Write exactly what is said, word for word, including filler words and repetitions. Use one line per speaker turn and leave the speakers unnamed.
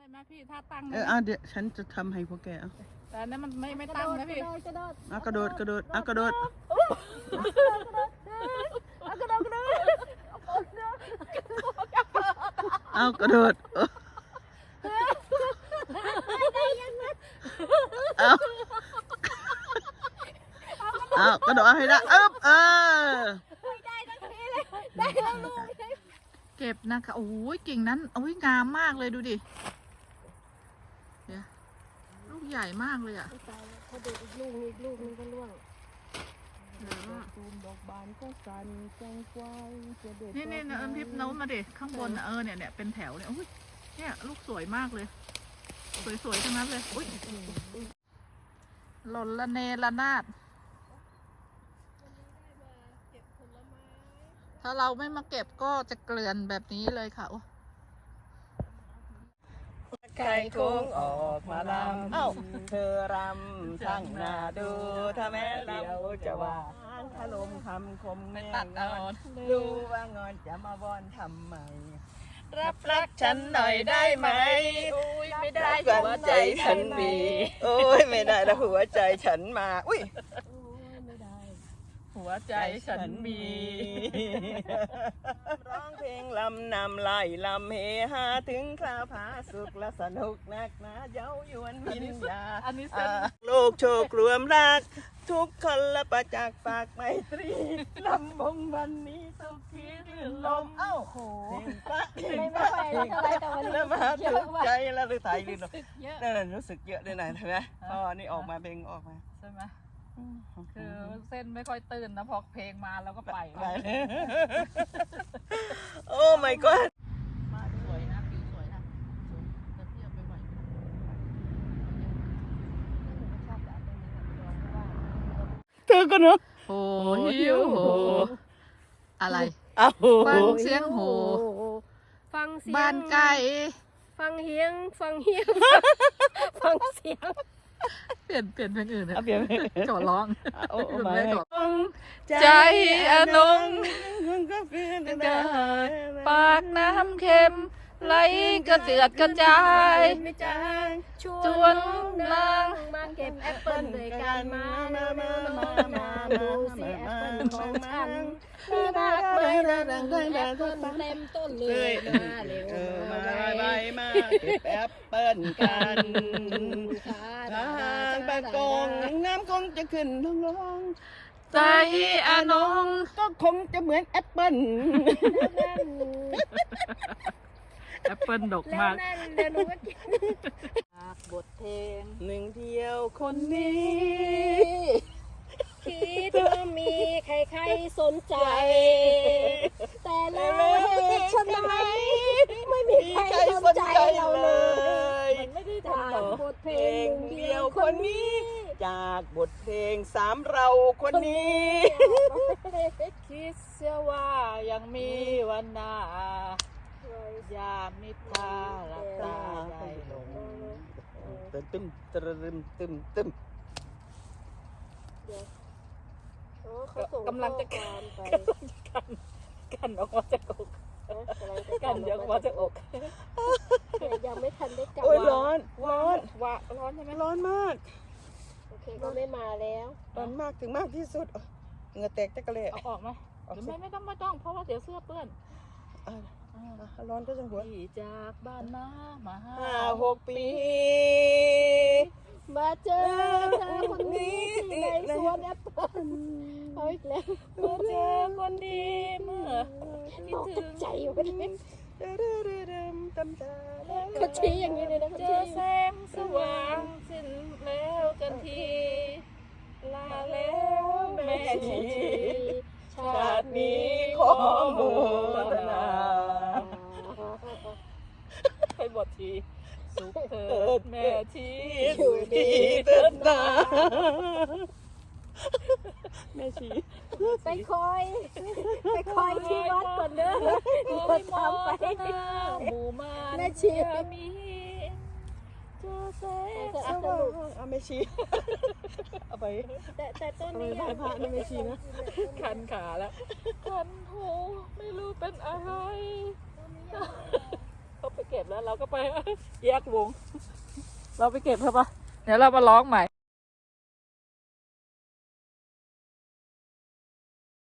เลยไหมพี่ถ้าตั้ง
เอออ่ะเดี๋ยวฉันจะทำให้พวกแกเอา
แต่อันนั้นมันไม่ไม่ตั้งนะพี่
กระโดด
อ่ะกระโดดกระโดดอ่ะกระโดด
กระโดดกระโดด
เอากระโดดเอาเอากระโดดให้ได้อึ๊บเออ
ได้ทั้งทีเลยได้ทั้งลูก
เก็บนะคะโอ้ยกิ่งนั้นโอ้ยงามมากเลยดูดิเดี๋ยวลูกใหญ่มากเลยอ่ะ
ตายแล้วเขาเด็ดอีกลูกนึงอีกลูกนึงก็ร่วง
เดี๋ยวว่า
ตูมดอกบานก็สั่นแจงควายจะเด็ด
นี่นี่นะเอิญทิพย์โน้มมาดิข้างบนน่ะเออเนี่ยเนี่ยเป็นแถวเนี่ยอุ้ยเนี่ยลูกสวยมากเลย สวยๆทั้งนั้นเลยอุ้ยหล่นละเนระนาดถ้าเราไม่มาเก็บก็จะเกลื่อนแบบนี้เลยค่ะ
ไก่โค้งออกมาลำเอ้าเธอรำช่างน่าดูถ้าแม้เดียวจะว่าถล่มคำคมแม่งอนดูว่างอนจะมาบอนทำไมรับรักฉันหน่อยได้ไหมโอ้ยไม่ได้หัวใจฉันมีโอ้ยไม่ได้แล้วหัวใจฉันมาอุ้ย
ไม่ได้
หัวใจฉันมี
ร้องเพลงลำนำไล่ลำเฮฮาถึงคราวผาสุขและสนุกนักหนาเย้ายวนวิญญา
อันนี้เส้น
โลกโชครวมรัก ทุกคนละประจักษ์ฝากไมตรีลำบงวันนี้สุขีรื่นลมเอ้าโหเพลงปะเพลง
ไม่
ปะ
ไม่ค่อยเท่าไรแต่วันนี้
แล้วมา
เย
ถู
อะ
ก
ว่ะ
ใจแล้วหรือไทยลืมลม
เยอะ
นั่นแหละรู้สึกเยอะด้วยนะเห็นไหมพอนี่ออกมาเพลงออกมา
ใช่ไหมคือเส้นไม่ค่อยตื่นนะพอเพลงมาแล้วก็ไป
ไปเลยโอ้ my god
มาสวยนะผิวสวยนะสวยแต่พี่เอาไปไหวนะ
เธอก็เนาะ
โอ้หิวโหอะไร
อ้าว
ฟังเสียงโห
ฟังเสียง
บ้านไก่
ฟังเฮียงฟังเฮียงฟังเสียง
เปลี่ยนเปลี่ยนเพลงอื่นเถ
เอา
อะ
เปลี่ยน
จอดร้อง
โอ้
ไม่
ไม่
ได้ขอ ใจอนง
ก็เปลี่ยน
เกิดปากน้ำเค็มไหลกระเจือดกระจาย
ไม่จางช
ช
ว
วน น
นาน
าง ง
มาเก็บแอปเปิ้ลด้วยกันมามามามามาดูสิแอปเปิ้ลของฉันน่ารักไหมน่ารักไหมแอปเปิ้ลเต็มต้นเลยมาเร็ว
เออ
มา
มา
ไว
ใบมาเก็บแอปเปิ้ลกันทางปะกงน้ำคงจะขึ้นลงลง
ใจอนง
ก็คงจะเหมือนแอปเปิ้ล
แอปเปิลดก
แล้ว
มาก
นั่นเดี๋ยวหนูก็กินจากบทเพลง
หนึ่งเที่ยวคนนี้
คิดว่ามีใครๆสนใจ แต่แล้วฉันไหมไม่มีใครสนใจเราเลย
มันไม่ได้
จาก
ทำต่อบ
ทเพล
เพล
ง
ง
เดี
เดี
ย
ยว ว
ค
คน น
นี้
นี้ จากบทเพลงสามเราคนนี้
คิดเสียว่ายังมีวันหน้ายามนิทราหลับตาได้ลง
ตึมตึมตึมตึมตึม
โอ้เขาส่
กำลังจะ
ข้อความไป
กันกันออกมาจากอก
เอ๊ะกำลังจะ
กันเดี๋ยวออกมาจากอก
ยังไม่ทันได้กลับ
โอ้ยร้อนร้อน
ว่าร้อนใช่ไหม
ร้อนมาก
โอเคก็ไม่มาแล้ว
ร้อนมากถึงมากที่สุดเหงื่อแตกตะกะเละ
เอาออกไหม
ออก
หรือ
สิ
ไม่ไม่ต้องไม่ต้องเพราะว่าเดี๋ยวเสื้อเปื้อน
อ่ะอ่ะร้อนก็จังหัว
ที่จากบ้านนามาห้า
ห้าหกปี
มาเจอเธอคนนี้ที่ในสวนแอปเปิ้ลเอาอีกแล้ว
มาเจอคนดีเมื่อ
ตกใจอยู่ไปเลย
ตำตา
เขาชี้อย่างนี้เลยนะเขา
เจ
ชี้
อแสงสว่างสิ้นแล้วกันทีลาแล้วแม่ชี
ชา
ชา
ติ
ติ
นี้
นี้ขอโมทนา
ให้บททีสุขเถิดแม่ชี
อยู่ดีเถิดนาแม่ชี
ไปคอย ไปคอยที่วัดก่อนเด้อ
ขอ
ค
ให้
น
มอ
ทำไป
ทนาหมู่มาน
แม่ชี
มีเจอแสง
สว่างเอาแม่ชีเอาไป
แต่แต่ต้นนี้
เอาไปไหว้พระนะแม่ชีนะ
คันขาแล้วคันหูไม่รู้เป็นอะไรเขาไปเก็บแล้วแล้วเราก็ไปแยกวง เราไปเก็บเถอะปะเดี๋ยวเรามาร้องใหม่